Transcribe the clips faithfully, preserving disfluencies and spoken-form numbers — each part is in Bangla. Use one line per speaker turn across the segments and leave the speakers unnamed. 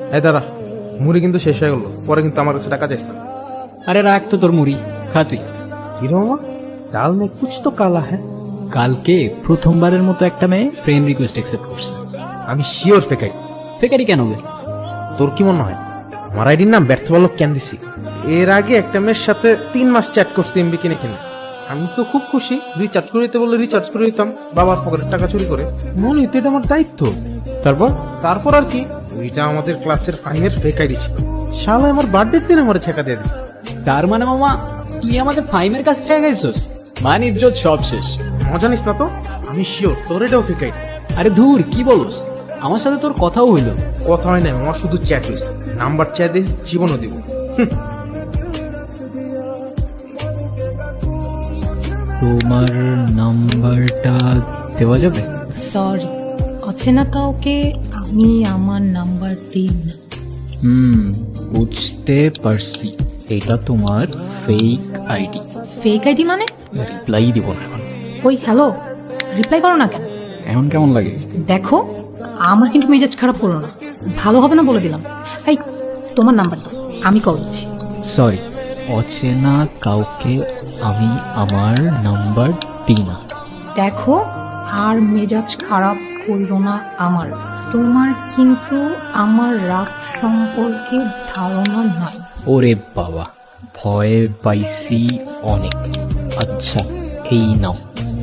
এই দাঁড়া, মুড়ি কিন্তু শেষ হয়ে গেল, পরে কিন্তু আমার কাছে টাকা চাইস না।
আরে রাখ তো তোর মুড়ি, খা তুই।
হিরো মামা, ডাল মে কুছ তো কালা হ্যাঁ।
কালকে প্রথমবারের মতো একটা মেয়ে ফ্রেন্ড রিকোয়েস্ট অ্যাকসেপ্ট করছে।
আমি শিওর ফেকাই।
ফেকারি কেন বে?
তোর কি মনে হয় আমার আইডির নাম ব্যর্থ বালক কেন দিছি? এর আগে একটা মেয়ের সাথে তিন মাস চ্যাট করছি এমবি কিনে কিনে। আমি তো খুব খুশি, রিচার্জ করে দিতে বললে রিচার্জ করে দিতাম, বাবার পকেটের টাকা চুরি করে। মনে হইতো এটা আমার দায়িত্ব।
তারপর
তারপর আর কি, ওইটা আমাদের ক্লাসের ফাইনের ফেক আইডি ছিল। শালা আমার বার্থডে দিন আমার ছেঁকা দিয়ে দিছে।
তার মানে মামা তুই আমাদের ফাইমের কাছে চাইছিস? মান ইজ্জত সব শেষ।
মজা নিস না তো, আমি শিওর তোর এটাও ফেক আইডি।
আরে ধুর, কি বলস? আমার সাথে তোর কথাও হইলো।
কথা হয় না, আমার শুধু চ্যাট হয়েছে। নাম্বার চাই দিস, জীবনও দিব।
তোমার নাম্বারটা দেওয়া যাবে?
সরি, অচেনা কাউকে আমি আমার নাম্বার দিই না।
হুম, বুঝতে পারছি। এটা তোমার ফেক আইডি।
ফেক আইডি মানে?
রিপ্লাই দিব না এখন।
ওই হ্যালো, রিপ্লাই করো না কেন?
এখন কেমন লাগে?
দেখো, আমার কিন্তু মেজাজ খারাপ করো না, ভালো হবে না বলে দিলাম। এই তোমার নাম্বার দাও, আমি কল দিচ্ছি।
সরি, অচেনা কাউকে আমি আমার নাম্বার দিই না।
দেখো, আর মেজাজ খারাপ করো না আমার। তোমার কিন্তু আমার রাগ সম্পর্কে ধারণা নাই।
ওরে বাবা, ভয়ে পাইছি অনেক। আচ্ছা, এই নাও।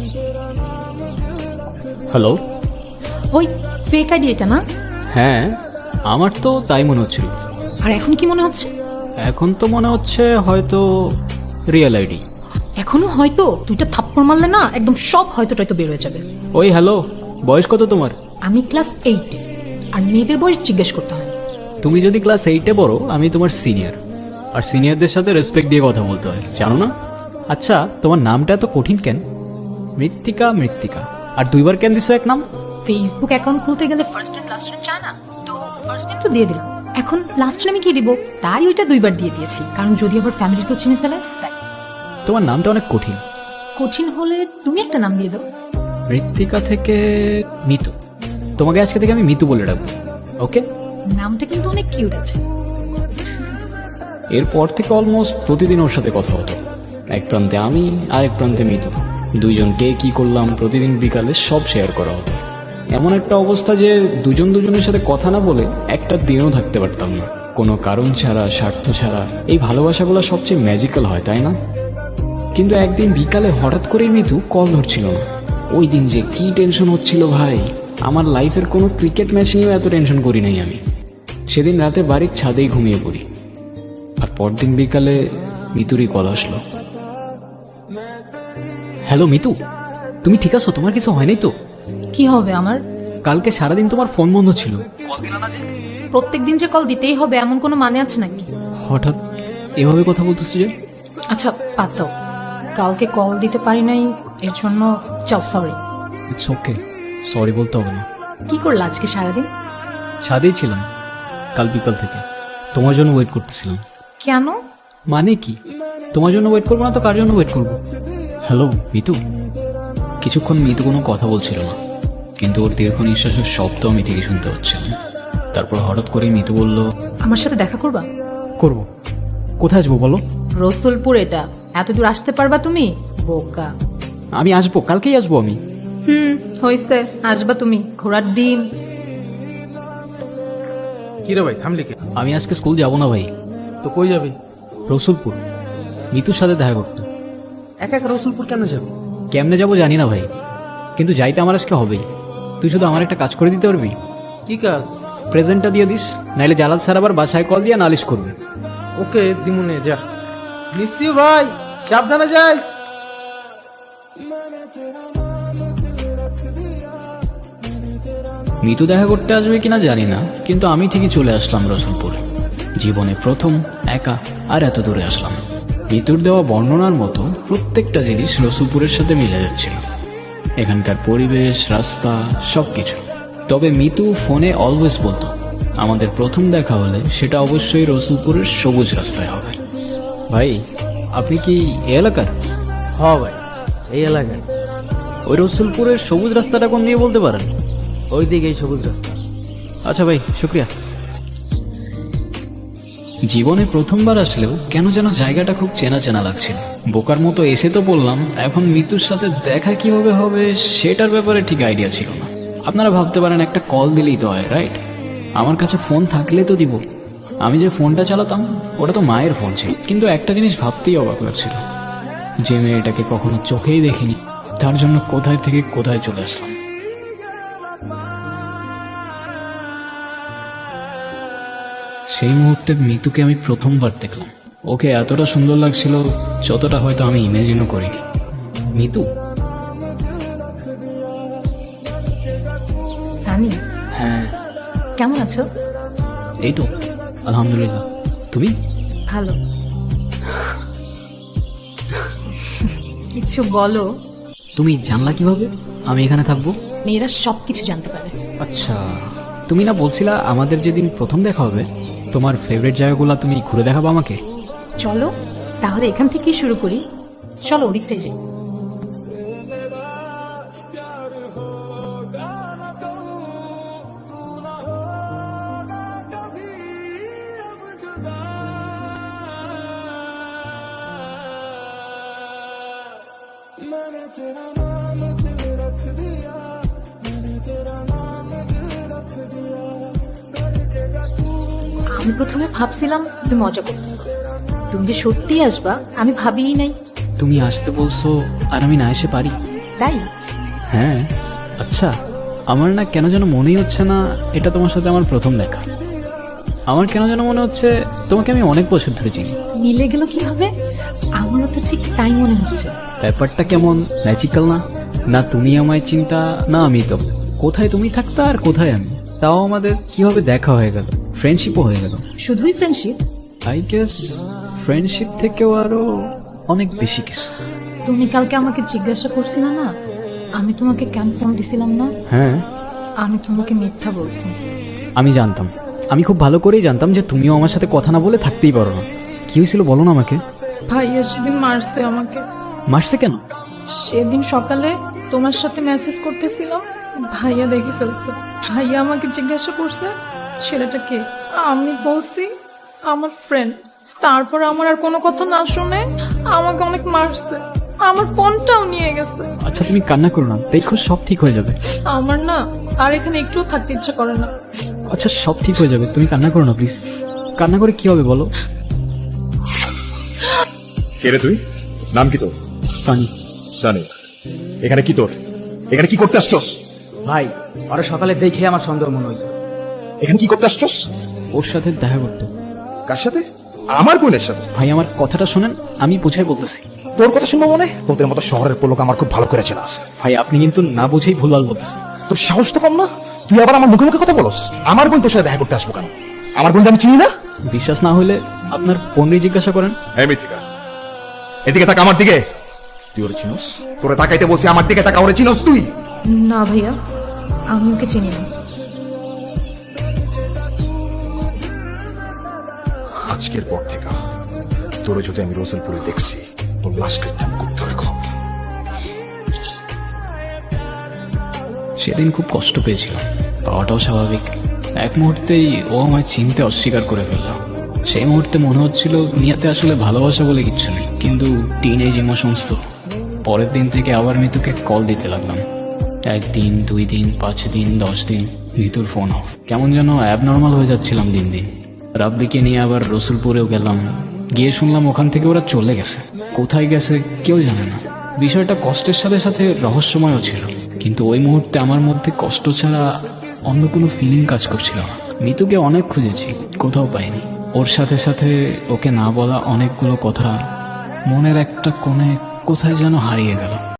হ্যালো।
ওই ফেক আইডি এটা না?
হ্যাঁ, আমার তো তাই মনে হচ্ছিল।
আর এখন কি মনে হচ্ছে?
এখন তো মনে হচ্ছে হয়তো রিয়েল আইডি।
এখনো হয়তো? দুইটা থাপ্পড় মারলে না একদম সব হয়তো টয়তো বের হয়ে যাবে।
ওই হ্যালো, বয়স কত তোমার?
আমি ক্লাস এইটে, আর মেয়েদের বয়স জিজ্ঞেস করতে হয়।
তুমি যদি ক্লাস এইটে পড়ো, আমি তোমার সিনিয়র, আর সিনিয়রদের সাথে রেসপেক্ট দিয়ে কথা বলতে হয়, জানো না? আচ্ছা, তোমার নামটা এত কঠিন কেন? মৃত্তিকা মৃত্তিকা, আর দুইবার কেন দিছো এক নাম?
ফেসবুক অ্যাকাউন্ট খুলতে গেলে ফার্স্ট নেম লাস্ট নেম চায় না, তো ফার্স্ট নেম তো দিয়ে দিলাম। এখন লাস্ট নেমে কি দিব, তাই ওইটা দুইবার দিয়ে দিয়েছি, কারণ যদি আবার ফ্যামিলি কেউ চিনে ফেলে তাই।
তোমার নামটা অনেক কঠিন।
কঠিন হলে তুমি একটা নাম দিয়ে দাও।
মৃত্তিকা থেকে মিতু। তোমাকে আজকে থেকে আমি মিতু বলে ডাকবো, ওকে?
নামটা কিন্তু অনেক কিউট আছে।
এরপর থেকে অলমোস্ট প্রতিদিন ওর সাথে কথা হতো। এক প্রান্তে আমি, আর এক প্রান্তে মিতু। দুইজন কে কি করলাম প্রতিদিন বিকালে সব শেয়ার করা হতো। এমন একটা অবস্থা যে দুজন দুজনের সাথে কথা না বলে একটা দিনও থাকতে পারতাম না, কোনো কারণ ছাড়া, স্বার্থ ছাড়া। এই ভালোবাসাগুলো সবচেয়ে ম্যাজিক্যাল হয়, তাই না? কিন্তু একদিন বিকালে হঠাৎ করেই মিতু কল ধরছিল না। ওই দিন যে কি টেনশন হচ্ছিল ভাই, আমার লাইফের কোনো ক্রিকেট ম্যাচ নিয়েও এত টেনশন করি নাই আমি। সেদিন রাতে বাড়ির ছাদেই ঘুমিয়ে পড়ি, আর পরদিন বিকালে মিতুরই কল আসলো। হ্যালো মিতু, তুমি ঠিক আছো? তোমার কিছু হয়নি তো?
কি হবে আমার?
কালকে সারাদিন তোমার ফোন বন্ধ ছিল।
প্রত্যেকদিন যে কল দিতেই হবে এমন কোনো মানে আছে নাকি?
হঠাৎ এভাবে কথা বলতেছো যে?
আচ্ছা বাদ দাও, কালকে কল দিতে পারি নাই এর জন্য চাও সরি।
ইটস ওকে, সরি বলতে হবে না।
কি করলা আজকে সারাদিন?
ছাদেই ছিলাম কাল বিকাল থেকে, তোমার জন্য ওয়েট করতেছিলাম।
কেন?
মানে কি? তোমার জন্য ওয়েট করবো না তো কার জন্য ওয়েট করবো? হ্যালো মিতু। কিছুক্ষণ মিতু কোনো কথা বলছিল না, কিন্তু ওর দীর্ঘ নিঃশ্বাসের শব্দ আমি ঠিকই শুনতে পাচ্ছিলাম। তারপর হঠাৎ করে মিতু বলল,
আমার সাথে দেখা করবা?
করব। কোথায় আসবো বলো?
রসুলপুর, এটা এত দূর আসতে পারবা তুমি? বোকা।
আমি আসবো, কালকেই আসবো আমি।
হুম হইছে, আসবা তুমি, ঘোড়ার ডিম।
কি রে ভাই, থামলি কে?
আমি আজকে স্কুল যাব না ভাই।
তো কই যাবি?
রসুলপুর, মিতুর সাথে দেখা করতে।
একা একা রসুলপুর কেন যাবি?
কেমনে যাবো জানি না ভাই, কিন্তু যাইতে আমার আজকে হবেই। তুই শুধু আমার একটা কাজ করে দিতে পারবি?
কি কাজ?
প্রেজেন্টটা দিয়ে দিস, নাইলে জালাল স্যার আবার বাসায় কল দিয়ে নালিশ করবে।
ওকে দিমুনে, যা। নিশ্চয় ভাই, সাবধানে যাইস।
মিতু দেখা করতে আসবে কিনা জানি না, কিন্তু আমি ঠিকই চলে আসলাম রসুলপুরে। জীবনে প্রথম একা, আর এত দূরে আসলাম। মিতুর দেওয়া বর্ণনার মতো প্রত্যেকটা জিনিস রসুলপুরের সাথে মিলে যাচ্ছিল, এখানকার পরিবেশ, রাস্তা, সবকিছু। তবে মিতু ফোনে অলওয়েজ বলতো, আমাদের প্রথম দেখা হলে সেটা অবশ্যই রসুলপুরের সবুজ রাস্তায় হবে। ভাই, আপনি কি এই এলাকার?
হ ভাই, এই এলাকায়।
ওই রসুলপুরের সবুজ রাস্তাটা কোন দিয়ে বলতে পারেন?
ওই দিকে এই সবুজ রাস্তা।
আচ্ছা ভাই, শুক্রিয়া। জীবনে প্রথমবার আসলেও কেন যেন জায়গাটা খুব চেনা চেনা লাগছিল। বোকার মতো এসে তো বললাম, এখন মিতুর সাথে দেখা কিভাবে হবে সেটার ব্যাপারে ঠিক আইডিয়া ছিল না। আপনারা ভাবতে পারেন একটা কল দিলেই তো হয়, রাইট? আমার কাছে ফোন থাকলে তো দিব। আমি যে ফোনটা চালাতাম ওটা তো মায়ের ফোন ছিল। কিন্তু একটা জিনিস ভাবতেই অবাক লাগছিল, যে মেয়েটাকে কখনো চোখেই দেখিনি, তার জন্য কোথায় থেকে কোথায় চলে আসলাম। সেই মুহূর্তে মিতুকে আমি প্রথমবার দেখলাম। ওকে এতটা সুন্দর লাগছিল যতটা হয়তো আমি ইমেজিনও করিনি। মিতু?
সানি,
হ্যাঁ।
কেমন আছো?
এই তো আলহামদুলিল্লাহ। তুমি?
ভালো। কিছু বলো।
তুমি জানলা কিভাবে আমি এখানে থাকবো?
মেয়েরা সব কিছু জানতে পারে।
আচ্ছা, তুমি না বলছিলা আমাদের যেদিন প্রথম দেখা হবে তোমার ফেভারিট জায়গাগুলো তুমি ঘুরে দেখাবো আমাকে?
চলো তাহলে এখান থেকেই শুরু করি। চলো ওদিকটাই যাই। আমি প্রথমে ভাবছিলাম তুমি মজা করতেছো, তুমি যে সত্যি আসবা আমি ভাবিই নাই।
তুমি আসতে বলছো আর আমি না এসে পারি?
তাই?
হ্যাঁ। আচ্ছা, আমার না কেন যেন মনেই হচ্ছে না এটা তোমার সাথে আমার প্রথম দেখা। আমার কেন যেন মনে হচ্ছে তোমাকে আমি অনেক বছর ধরে চিনি।
মিলে গেল কিভাবে? আমারও তো ঠিক তাই মনে হচ্ছে।
ব্যাপারটা কেমন ম্যাজিক্যাল না? না তুমি আমায় চিন্তা, না আমি তো। কোথায় তুমি থাকতা আর কোথায় আমি, তাও আমাদের কিভাবে দেখা হয়ে গেল, ফ্রেন্ডশিপও হয়ে গেল।
শুধুই ফ্রেন্ডশিপ?
আই গেস ফ্রেন্ডশিপ থেকেও আরো অনেক বেশি কিছু।
তুমি কালকে আমাকে জিজ্ঞাসা করছিলে না আমি তোমাকে কেন ফোন দিছিলাম না?
হ্যাঁ,
আমি তোমাকে মিথ্যা বলছি।
আমি জানতাম, আমি খুব ভালো করেই জানতাম যে তুমিও আমার সাথে কথা না বলে থাকতেই পারো না। কি হয়েছিল বলো না আমাকে।
ভাইয়া সেদিন মারছে আমাকে।
মারছে কেন?
সেদিন সকালে তোমার সাথে মেসেজ করতেছিলাম, ভাইয়া দেখে ফেলছে। ভাইয়া আমাকে জিজ্ঞাসা করছে ছেলেটা কে। আমি বলছি আমার ফ্রেন্ড। তারপর আমার আর কোনো কথা না শুনে আমাকে অনেক মারছে, আমার ফোনটাও নিয়ে গেছে।
আচ্ছা তুমি কান্না করো না, দেখো সব ঠিক হয়ে যাবে।
আমার না আর এখানে একটুও থাকতে ইচ্ছা করে না।
আচ্ছা সব ঠিক হয়ে যাবে, তুমি কান্না করো না প্লিজ। কান্না করে কি হবে বলো?
কে রে তুই? নাম কি তোর?
সানি।
সানি, এখানে কি তোর? এখানে কি করতে আসছস?
ভাই, ওরা সকালে দেখে আমার সন্দেহ মনে হয়েছে।
এখানে কি করতে আসছস?
ওর সাথে দেখা করতো।
কার সাথে? আমার বোনের সাথে?
ভাই আমার কথাটা শোনেন, আমি বুঝাই বলতেছি।
তোর কথা শুনবো মনে? তোদের মতো শহরের পোলোক আমার খুব ভালো করে চেনা আছে।
ভাই আপনি কিন্তু না বুঝেই ভুলভাল বলতেছেন।
তোর সাহস তো কম না, তুই আবার আমার মুখে মুখে কথা বলস। আমার বোন তোর সাথে দেখা করতে আসবো কেন? আমার বোন আমি চিনি না?
বিশ্বাস না হলে আপনার বোনকে জিজ্ঞাসা করেন।
হ্যাঁ মিথিকা, এদিকে তাকা আমার দিকে। তুই ওরে চিনোস? তোরে তাকাইতে বলছি, আমার দিকে তাকা। ওরে চিনোস তুই?
না ভাইয়া, আমি ওকে চিনি না।
আজকের পর থেকে তোরে যদি আমি রসুলপুরে দেখছি, তোর লাশ কেটে আমি করতে রেখো।
সেদিন খুব কষ্ট পেয়েছিলাম, পাওয়াটাও স্বাভাবিক। এক মুহূর্তেই ও আমায় চিনতে অস্বীকার করে ফেলল। সেই মুহূর্তে মনে হচ্ছিল দুনিয়াতে আসলে ভালোবাসা বলে কিচ্ছু নেই, কিন্তু টিন এজ ইমোশনস তো। পরের দিন থেকে আবার মিতুকে কল দিতে লাগলাম। একদিন, দুই দিন, পাঁচ দিন, দশ দিন, মিতুর ফোন অফ। কেমন যেন অ্যাবনর্মাল হয়ে যাচ্ছিলাম দিন দিন। রাব্বিকে নিয়ে আবার রসুলপুরেও গেলাম, গিয়ে শুনলাম ওখান থেকে ওরা চলে গেছে। কোথায় গেছে কেউ জানে না। বিষয়টা কষ্টের সাথে সাথে রহস্যময়ও ছিল, কিন্তু ওই মুহূর্তে আমার মধ্যে কষ্ট ছাড়া অন্য কোনো ফিলিং কাজ করছিল না। মিতুকে অনেক খুঁজেছি, কোথাও পাইনি। ওর সাথে সাথে ওকে না বলা অনেকগুলো কথা মনের একটা কোণে কোথায় যেন হারিয়ে গেল।